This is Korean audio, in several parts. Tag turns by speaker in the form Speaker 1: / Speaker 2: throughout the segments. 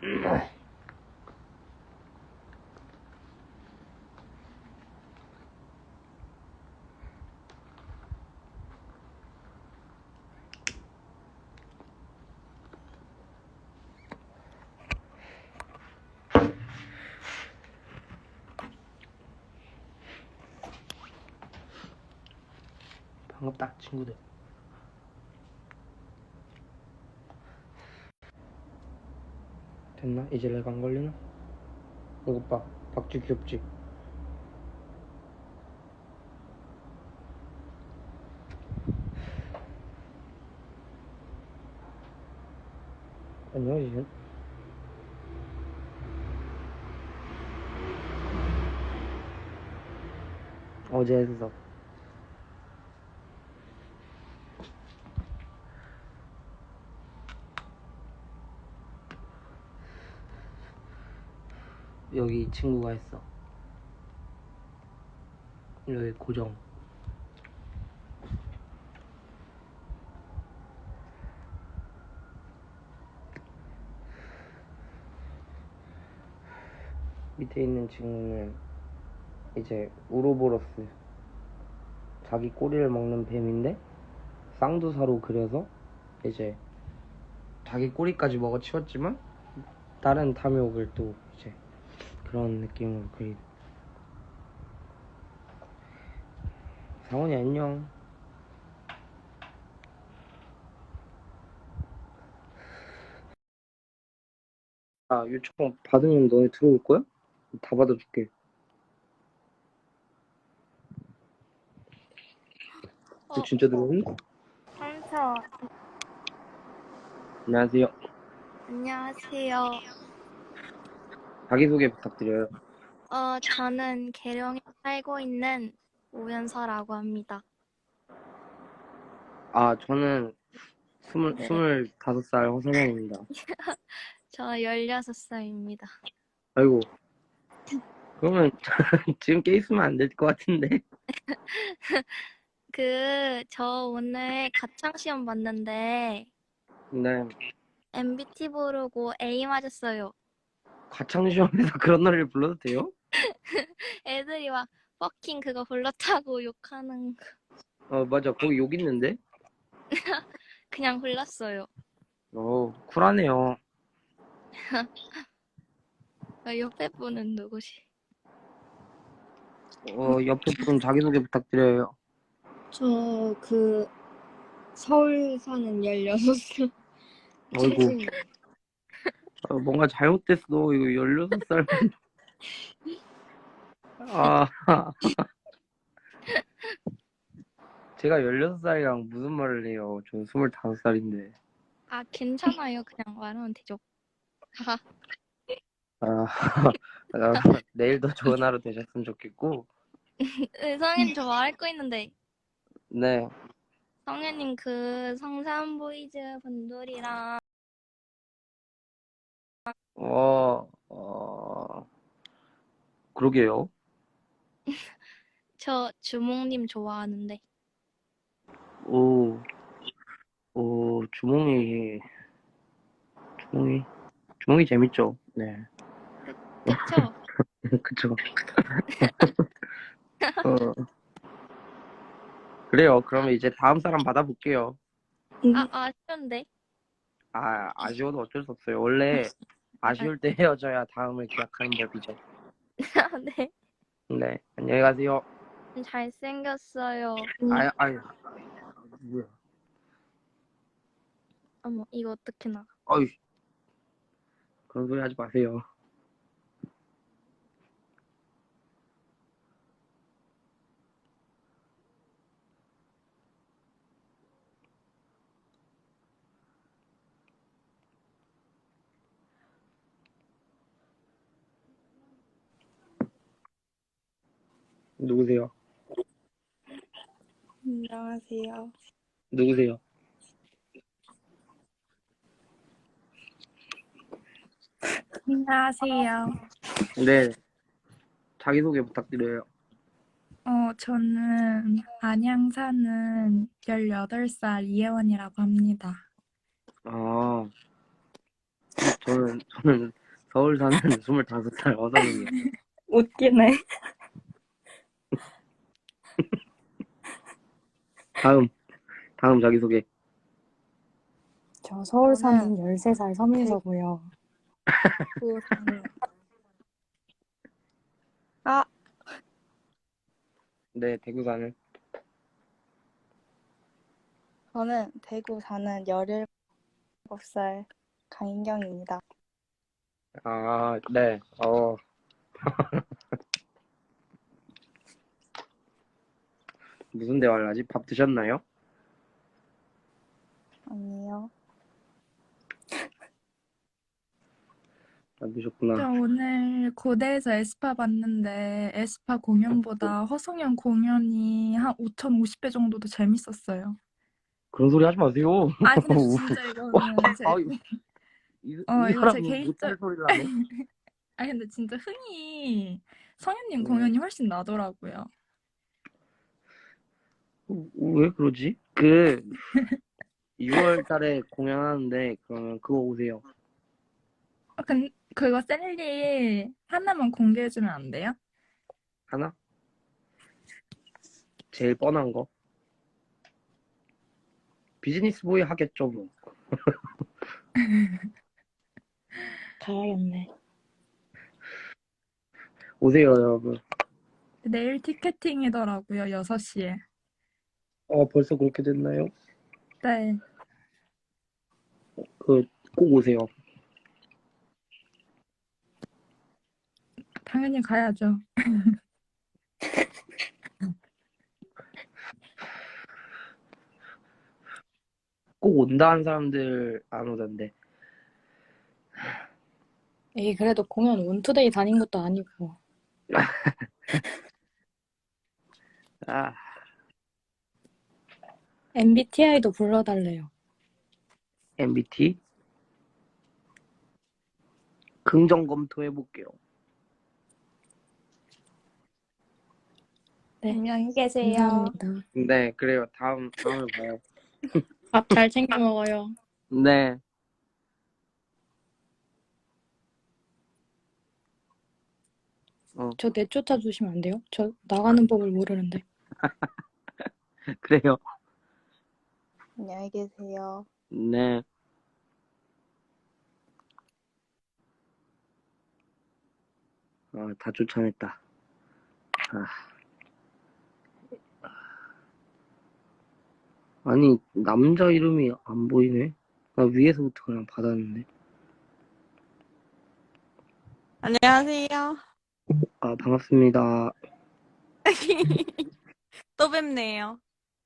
Speaker 1: 반갑다 친구들. 됐나? 이제 내가 안 걸리나? 이거 봐, 박쥐 귀엽지? 안녕 이제. 어제 했어. 여기 친구가 했어. 여기 고정. 밑에 있는 친구는 이제 우로보로스, 자기 꼬리를 먹는 뱀인데 쌍두사로 그려서 이제 자기 꼬리까지 먹어치웠지만 다른 탐욕을 또 이제 그런 느낌으로 그린. 상원이 안녕. 아, 요청 받으면 너네 들어올 거야? 다 받아줄게. 진짜 들어오니?
Speaker 2: 삼촌.
Speaker 1: 안녕하세요.
Speaker 2: 안녕하세요.
Speaker 1: 자기소개 부탁드려요.
Speaker 2: 저는 계룡에 살고 있는 오연서라고 합니다.
Speaker 1: 아, 저는
Speaker 2: 네.
Speaker 1: 25살 허선영입니다.
Speaker 2: 저 16살입니다.
Speaker 1: 아이고, 그러면 지금 깨 있으면 안 될 것 같은데.
Speaker 2: 저 오늘 가창시험 봤는데,
Speaker 1: 네,
Speaker 2: MBT 부르고 A 맞았어요.
Speaker 1: 가창시험에서 그런 노래를 불러도 돼요?
Speaker 2: 애들이 막, 퍼킹 그거 불렀다고 욕하는 거.
Speaker 1: 맞아. 거기 욕 있는데?
Speaker 2: 그냥 불렀어요.
Speaker 1: 쿨하네요.
Speaker 2: 옆에 분은 누구시?
Speaker 1: 옆에 분 자기소개 부탁드려요.
Speaker 3: 저 서울 사는 16살.
Speaker 1: 어이구, 뭔가 잘못됐어. 이거 16살. 아, 제가 16살이랑 무슨 말을 해요. 저 25살인데.
Speaker 2: 아, 괜찮아요. 그냥 말하면 되죠.
Speaker 1: 내일도 좋은 하루 되셨으면 좋겠고.
Speaker 2: 성현님 저 말할 거 있는데.
Speaker 1: 네.
Speaker 2: 성현님 성산 보이즈 분들이랑
Speaker 1: 그러게요.
Speaker 2: 저 주몽님 좋아하는데.
Speaker 1: 주몽이 재밌죠? 네.
Speaker 2: 그쵸?
Speaker 1: 그쵸. 그래요. 그러면 이제 다음 사람 받아볼게요.
Speaker 2: 아쉬운데.
Speaker 1: 아쉬워도 어쩔 수 없어요. 원래 아쉬울 때 헤어져야 다음을 기약하는 법이죠.
Speaker 2: 네.
Speaker 1: 네. 안녕히 가세요.
Speaker 2: 잘생겼어요.
Speaker 1: 뭐야.
Speaker 2: 어머, 이거 어떻게 나가?
Speaker 1: 어이, 그런 소리 하지 마세요. 누구세요?
Speaker 3: 안녕하세요.
Speaker 1: 누구세요?
Speaker 3: 안녕하세요.
Speaker 1: 네. 자기소개 부탁드려요.
Speaker 3: 저는 안양 사는 18살 이혜원이라고 합니다.
Speaker 1: 저는 저는 서울 사는 25살 어성이에요.
Speaker 3: 웃기네.
Speaker 1: 다음 자기소개.
Speaker 4: 저 서울 사는
Speaker 3: 저는
Speaker 4: 13살 서민서고요.
Speaker 3: 대구 사는 아,
Speaker 1: 네, 대구 사는.
Speaker 3: 저는 대구 사는 17살 강인경입니다.
Speaker 1: 아, 네. 무슨 대화를 하지? 밥 드셨나요?
Speaker 3: 아니요.
Speaker 1: 안
Speaker 3: 저
Speaker 1: 드셨구나.
Speaker 3: 오늘 고대에서 에스파 봤는데 에스파 공연보다 허성현 공연이 한 5,050배 정도 더 재밌었어요.
Speaker 1: 그런 소리 하지 마세요.
Speaker 3: 아 근데 진짜 이거는 제
Speaker 1: 이
Speaker 3: 이거 제
Speaker 1: 사람은 못할
Speaker 3: 개인적
Speaker 1: 소리를 하네.
Speaker 3: 아 근데 진짜 흥이 성현님
Speaker 1: 네.
Speaker 3: 공연이 훨씬 나더라고요.
Speaker 1: 왜 그러지? 6월 달에 공연하는데, 그러면 그거 오세요.
Speaker 3: 그거 셀리 하나만 공개해주면 안 돼요?
Speaker 1: 하나? 제일 뻔한 거. 비즈니스 보이 하겠죠, 뭐.
Speaker 4: 가야겠네.
Speaker 1: 오세요, 여러분.
Speaker 3: 내일 티켓팅이더라고요, 6시에.
Speaker 1: 벌써 그렇게 됐나요?
Speaker 3: 네.
Speaker 1: 꼭 오세요.
Speaker 3: 당연히 가야죠.
Speaker 1: 꼭 온다 한 사람들 안 오던데.
Speaker 4: 에이, 그래도 공연 원투데이 다닌 것도 아니고.
Speaker 1: 아,
Speaker 4: MBTI도 불러달래요.
Speaker 1: MBT? 긍정 검토해볼게요.
Speaker 4: 네.
Speaker 3: 안녕히 계세요.
Speaker 4: 감사합니다.
Speaker 1: 네, 그래요. 다음에 봐요.
Speaker 4: 밥 잘 챙겨 먹어요.
Speaker 1: 네.
Speaker 4: 저 내쫓아 주시면 안 돼요? 저 나가는 법을 모르는데.
Speaker 1: 그래요.
Speaker 3: 안녕히 계세요.
Speaker 1: 네. 다 쫓아냈다. 아니, 남자 이름이 안 보이네. 나 위에서부터 그냥 받았는데.
Speaker 5: 안녕하세요.
Speaker 1: 반갑습니다.
Speaker 5: 또 뵙네요.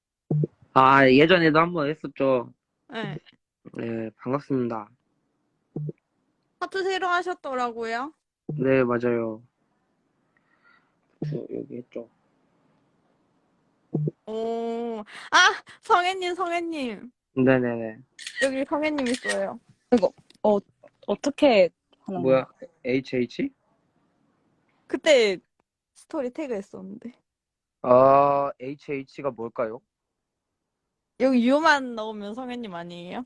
Speaker 1: 예전에도 한번 했었죠.
Speaker 5: 네.
Speaker 1: 네, 반갑습니다.
Speaker 5: 하트 새로 하셨더라고요.
Speaker 1: 네, 맞아요. 여기 했죠.
Speaker 5: 오, 성혜님.
Speaker 1: 네네네.
Speaker 5: 여기 성혜님 있어요.
Speaker 4: 어떻게 하는 거야?
Speaker 1: 뭐야, HH?
Speaker 5: 그때 스토리 태그 했었는데.
Speaker 1: HH가 뭘까요?
Speaker 5: 여기 유만 넣으면 성혜님 아니에요?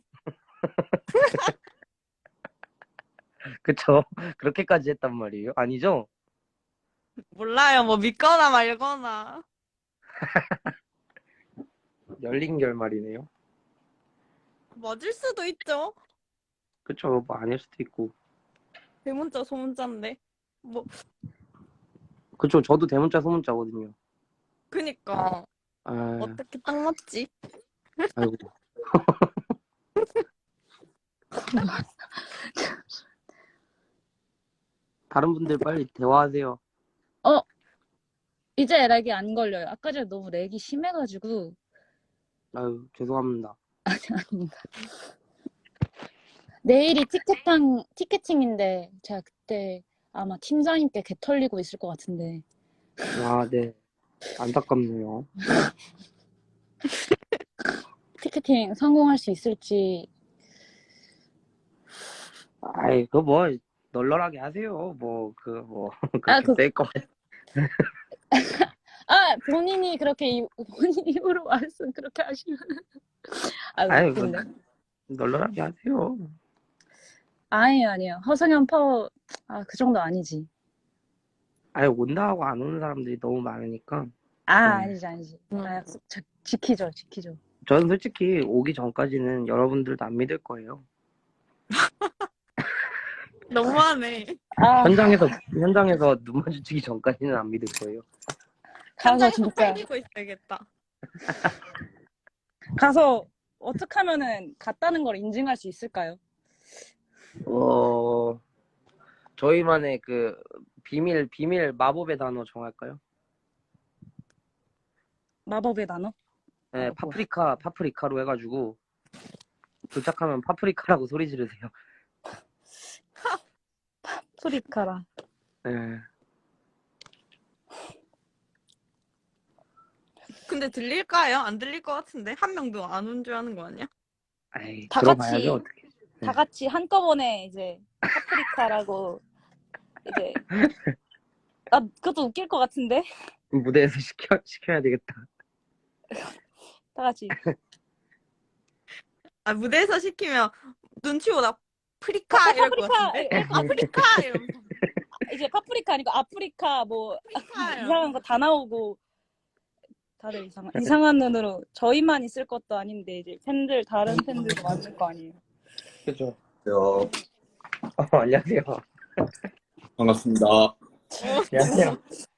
Speaker 1: 그쵸? 그렇게까지 했단 말이에요? 아니죠?
Speaker 5: 몰라요. 뭐 믿거나 말거나.
Speaker 1: 열린 결말이네요.
Speaker 5: 맞을 수도 있죠.
Speaker 1: 그쵸? 뭐 아닐 수도 있고.
Speaker 5: 대문자 소문자인데. 뭐,
Speaker 1: 그쵸? 저도 대문자 소문자거든요.
Speaker 5: 그니까.
Speaker 1: 아,
Speaker 5: 어떻게 딱 맞지?
Speaker 1: 아이고. 다른 분들 빨리 대화하세요.
Speaker 4: 이제 렉이 안 걸려요. 아까 전에 너무 렉이 심해가지고.
Speaker 1: 아유, 죄송합니다.
Speaker 4: 아닙니다. 내일이 티켓팅인데 제가 그때 아마 팀장님께 개 털리고 있을 것 같은데.
Speaker 1: 네. 안타깝네요.
Speaker 4: 티켓팅 성공할 수 있을지.
Speaker 1: 그거 뭐, 널널하게 하세요. 그렇게 셀 거.
Speaker 4: 본인이 본인 입으로 말씀 그렇게 하시면.
Speaker 1: 아유,
Speaker 4: 웃긴데.
Speaker 1: 널널하게 하세요.
Speaker 4: 아니에요. 허성현 파워, 그 정도 아니지.
Speaker 1: 아예 온다 하고 안 오는 사람들이 너무 많으니까.
Speaker 4: 아니지.
Speaker 5: 응.
Speaker 4: 약속 지키죠.
Speaker 1: 저는 솔직히 오기 전까지는 여러분들도 안 믿을 거예요.
Speaker 5: 너무하네.
Speaker 1: 현장에서 눈 마주치기 전까지는 안 믿을 거예요.
Speaker 4: 가서
Speaker 5: 현장에서
Speaker 4: 진짜,
Speaker 5: 빨리고 있어야겠다.
Speaker 4: 가서 어떻게 하면은 갔다는 걸 인증할 수 있을까요?
Speaker 1: 저희만의 그 비밀 마법의 단어 정할까요?
Speaker 4: 마법의 단어?
Speaker 1: 네,
Speaker 4: 뭐야?
Speaker 1: 파프리카로 해가지고 도착하면 파프리카라고 소리 지르세요.
Speaker 4: 프리카라.
Speaker 1: 네.
Speaker 5: 근데 들릴까요? 안 들릴 것 같은데? 한 명도 안 온 줄 아는 거 아니야?
Speaker 1: 아이,
Speaker 4: 다
Speaker 1: 들어봐야죠,
Speaker 4: 같이
Speaker 1: 어떻게.
Speaker 4: 다 같이 한꺼번에 이제 파프리카라고 이제 그것도 웃길 것 같은데?
Speaker 1: 무대에서 시켜야 되겠다.
Speaker 4: 다 같이
Speaker 5: 무대에서 시키면 눈치 보다 프리카 이럴 것 같은데? 아프리카 이러면서
Speaker 4: 이제 파프리카 아니고 아프리카 뭐
Speaker 5: 프리카
Speaker 4: 이상한 거 다 나오고 다들 이상한 눈으로 저희만 있을 것도 아닌데 이제 다른 팬들도 많을 거 아니에요.
Speaker 1: 그죠.
Speaker 6: 안녕하세요.
Speaker 1: 안녕하세요.
Speaker 6: 반갑습니다.
Speaker 1: 안녕하세요.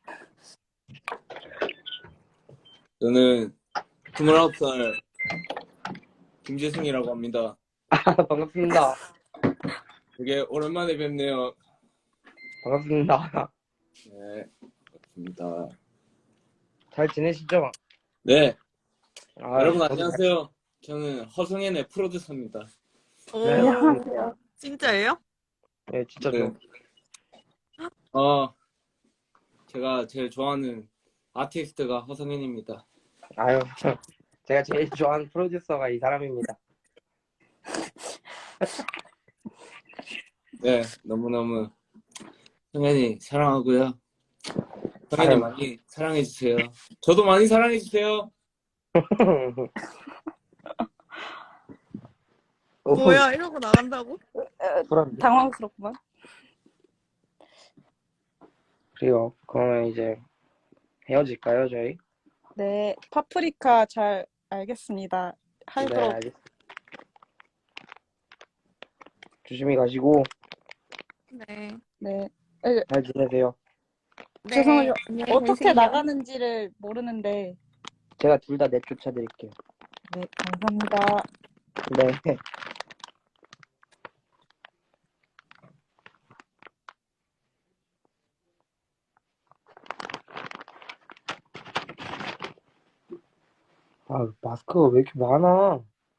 Speaker 6: 저는 29살 김재승이라고 합니다.
Speaker 1: 반갑습니다.
Speaker 6: 되게 오랜만에 뵙네요.
Speaker 1: 반갑습니다.
Speaker 6: 네, 반갑습니다.
Speaker 1: 잘 지내시죠?
Speaker 6: 네, 여러분
Speaker 1: 저도
Speaker 6: 안녕하세요. 저는 허성현의 프로듀서입니다.
Speaker 5: 오,
Speaker 1: 네.
Speaker 5: 진짜예요?
Speaker 1: 네, 진짜
Speaker 6: 네. 제가 제일 좋아하는 아티스트가 허성현입니다.
Speaker 1: 아유, 제가 제일 좋아하는 프로듀서가 이 사람입니다.
Speaker 6: 네, 너무너무 성현이 사랑하고요. 성현이
Speaker 1: 아유.
Speaker 6: 많이 사랑해주세요. 저도 많이 사랑해주세요.
Speaker 5: 뭐야, 이러고 나간다고?
Speaker 1: 불안해.
Speaker 4: 당황스럽구만.
Speaker 1: 그래요. 그러면 이제 헤어질까요, 저희?
Speaker 4: 네, 파프리카 잘 알겠습니다.
Speaker 1: 네,
Speaker 4: 하도록.
Speaker 1: 알겠습니다. 조심히 가시고
Speaker 5: 네.
Speaker 4: 네.
Speaker 1: 잘 지내세요.
Speaker 5: 네.
Speaker 4: 죄송해요.
Speaker 5: 안녕히
Speaker 4: 어떻게
Speaker 5: 계세요.
Speaker 4: 나가는지를 모르는데.
Speaker 1: 제가 둘 다 내쫓아 드릴게요.
Speaker 4: 네, 감사합니다.
Speaker 1: 네. 마스크가 왜 이렇게 많아?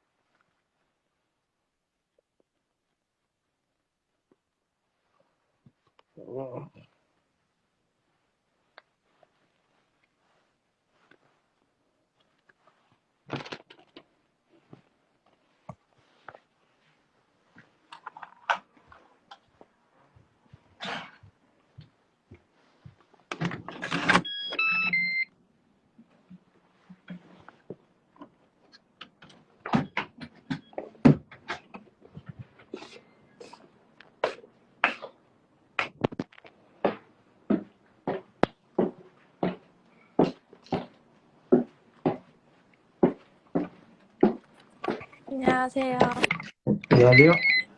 Speaker 5: 안녕하세요.
Speaker 1: 안녕하세요.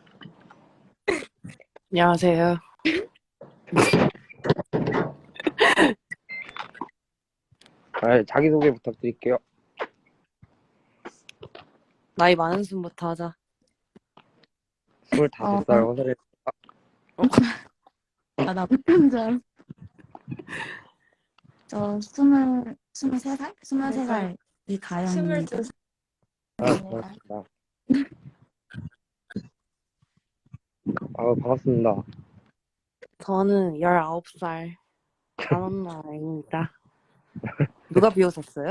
Speaker 7: 안녕하세요.
Speaker 1: 자기소개 부탁드릴게요.
Speaker 7: 나이 많은 순부터 하자.
Speaker 1: 25살 허설에
Speaker 8: 나 혼자. 저 23살? 23살 이가영입니다.
Speaker 5: 22살.
Speaker 1: 반갑습니다. 반갑습니다.
Speaker 7: 저는 19살 강원나입니다. 누가 비웃었어요?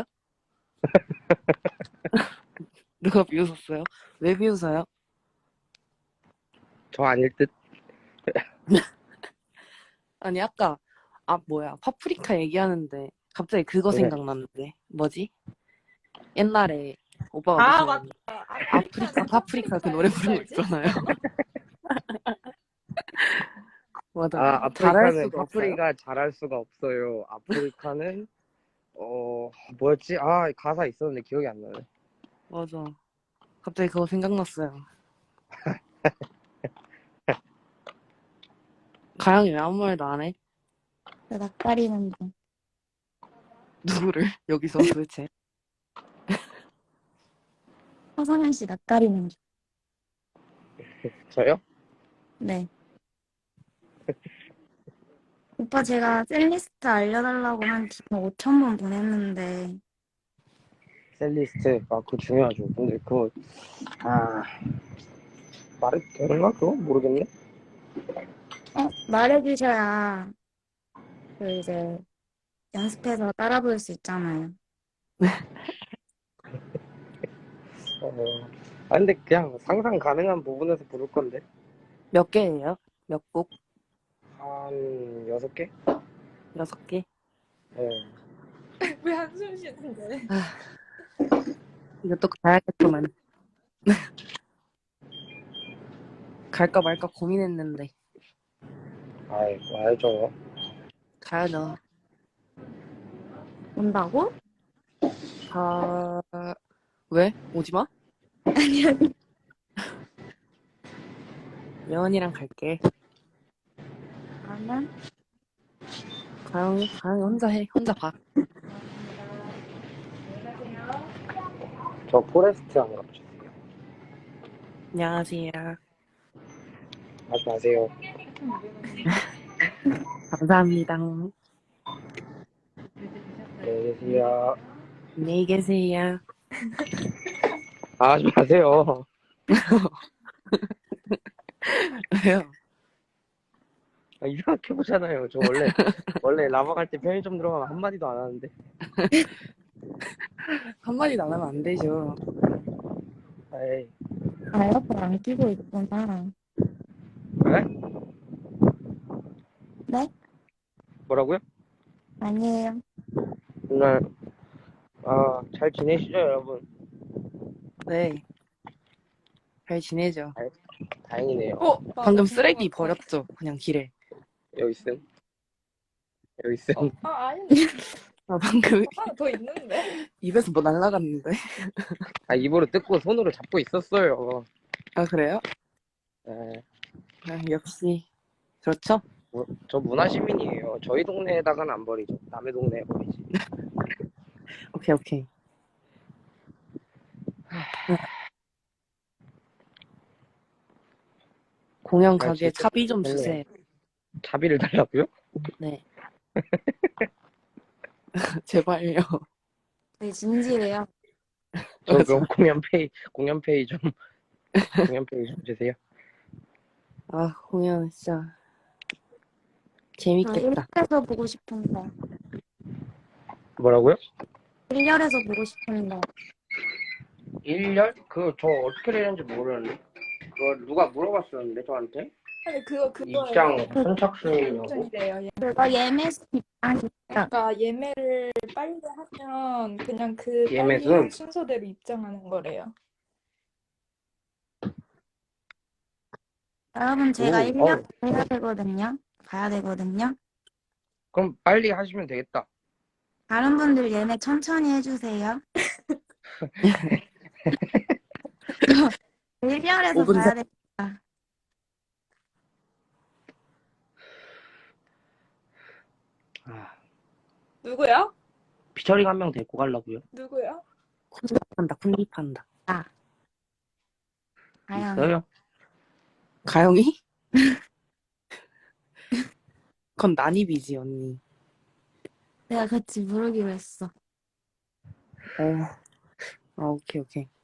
Speaker 7: 누가 비웃었어요? 왜 비웃어요?
Speaker 1: 저 아닐 듯.
Speaker 7: 아니 아까 파프리카 얘기하는데 갑자기 그거
Speaker 1: 네.
Speaker 7: 생각났는데 뭐지? 옛날에 오빠가 무슨
Speaker 5: 맞다.
Speaker 7: 아프리카 파프리카 그 노래 부른 거 있잖아요. 맞아.
Speaker 1: 아,
Speaker 7: 잘할
Speaker 1: 아프리카는
Speaker 7: 수가 없어요?
Speaker 1: 파프리가 잘할 수가 없어요. 아프리카는 뭐였지? 아, 가사 있었는데 기억이 안 나네.
Speaker 7: 맞아. 갑자기 그거 생각났어요. 가영이 왜 아무 말도 안 해?
Speaker 8: 나 낯가리는 중.
Speaker 7: 누구를? 여기서 도대체.
Speaker 8: 허성현 씨 낯가리는 중.
Speaker 1: 저요?
Speaker 8: 네. 오빠 제가 셀리스트 알려달라고 한 지금 5천 번 보냈는데
Speaker 1: 셀리스트. 아, 그거 중요하죠. 근데 그거 말이 되는가 그거? 모르겠네.
Speaker 8: 말해주셔야 그 이제 연습해서 따라 부를 수 있잖아요.
Speaker 1: 근데 그냥 상상 가능한 부분에서 부를 건데.
Speaker 7: 몇 개예요? 몇 곡?
Speaker 1: 한 6개?
Speaker 7: 6개?
Speaker 1: 네.
Speaker 5: 왜 한숨 쉬는데?
Speaker 7: 이것도 가야겠구만. 갈까 말까 고민했는데.
Speaker 1: 아이, 알죠.
Speaker 7: 가야죠.
Speaker 8: 온다고?
Speaker 7: 왜? 오지 마?
Speaker 8: 아니 아니.
Speaker 7: 예원이랑 갈게.
Speaker 8: 나는
Speaker 7: 가영이 혼자 해. 혼자 봐.
Speaker 1: 저 포레스트 안 가보셨어요?
Speaker 7: 안녕하세요.
Speaker 1: 하지 마세요.
Speaker 7: 감사합니다.
Speaker 1: 안녕히 계세요.
Speaker 7: 안녕히 계세요.
Speaker 1: 하지 마세요.
Speaker 7: 왜요?
Speaker 1: 이상하게 보잖아요. 저 원래 라방 갈 때 편의점 들어가면 한마디도 안 하는데.
Speaker 7: 한마디도 안 하면 안 되죠.
Speaker 1: 에이.
Speaker 8: 에어컨 안 끼고 있구나.
Speaker 1: 네?
Speaker 8: 네?
Speaker 1: 뭐라고요?
Speaker 8: 아니에요.
Speaker 1: 오늘 잘 지내시죠, 여러분?
Speaker 7: 네. 잘 지내죠.
Speaker 1: 다행이네요.
Speaker 7: 방금 쓰레기 버렸죠. 그냥 길에.
Speaker 1: 여기 있음. 여기 있음.
Speaker 5: 아닌데.
Speaker 7: 방금
Speaker 5: 하나 더 있는데.
Speaker 7: 입에서 뭐 날라갔는데.
Speaker 1: 입으로 뜯고 손으로 잡고 있었어요.
Speaker 7: 아, 그래요?
Speaker 1: 네.
Speaker 7: 역시. 그렇죠?
Speaker 1: 저 문화시민이에요. 저희 동네에다가는 안 버리죠. 남의 동네에 버리지.
Speaker 7: 오케이. 공연 가게
Speaker 1: 진짜
Speaker 7: 차비 좀
Speaker 1: 좋네요.
Speaker 7: 주세요.
Speaker 1: 차비를 달라고요?
Speaker 7: 네. 제발요.
Speaker 8: 되게 진지해요.
Speaker 1: 저 그럼 공연페이 좀 주세요.
Speaker 7: 아, 공연 진짜
Speaker 8: 저
Speaker 7: 재밌겠다.
Speaker 8: 1열에서 보고 싶은데.
Speaker 1: 뭐라고요?
Speaker 8: 1열에서 보고 싶은데.
Speaker 1: 1년? 저 어떻게 되는지 모르는데. 그거 누가 물어봤었는데, 저한테?
Speaker 5: 아니 그거
Speaker 1: 입장 선착순이냐고?
Speaker 5: 입장이래요.
Speaker 8: 그거 예매수 입장이
Speaker 5: 그러니까 예매를 빨리 하면 그냥 그 빨리
Speaker 1: 예매순?
Speaker 5: 한 순서대로 입장하는 거래요.
Speaker 8: 여러분 제가
Speaker 1: 오,
Speaker 8: 1년 해야 되거든요. 가야 되거든요.
Speaker 1: 그럼 빨리 하시면 되겠다.
Speaker 8: 다른 분들 예매 천천히 해주세요. 1열에서
Speaker 7: 5분
Speaker 8: 가야 돼.
Speaker 5: 누구야?
Speaker 1: 피처링 한 명 데리고 가려고요.
Speaker 5: 누구야?
Speaker 7: 쿤디판다.
Speaker 8: 가영.
Speaker 1: 있어요?
Speaker 7: 가영이? 그건 난입이지, 언니.
Speaker 8: 내가 같이 부르기로 했어.
Speaker 7: 오케이.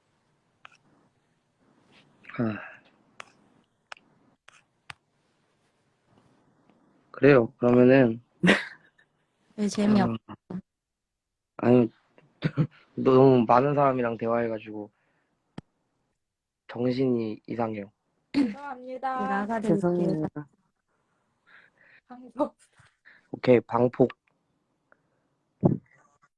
Speaker 1: 그래요. 그러면은
Speaker 8: 왜 재미없어?
Speaker 1: 아니 너무 많은 사람이랑 대화해가지고 정신이 이상해요.
Speaker 5: 죄송합니다.
Speaker 8: 나가드릴게요.
Speaker 7: 죄송해요.
Speaker 5: 방송.
Speaker 1: 오케이, 방폭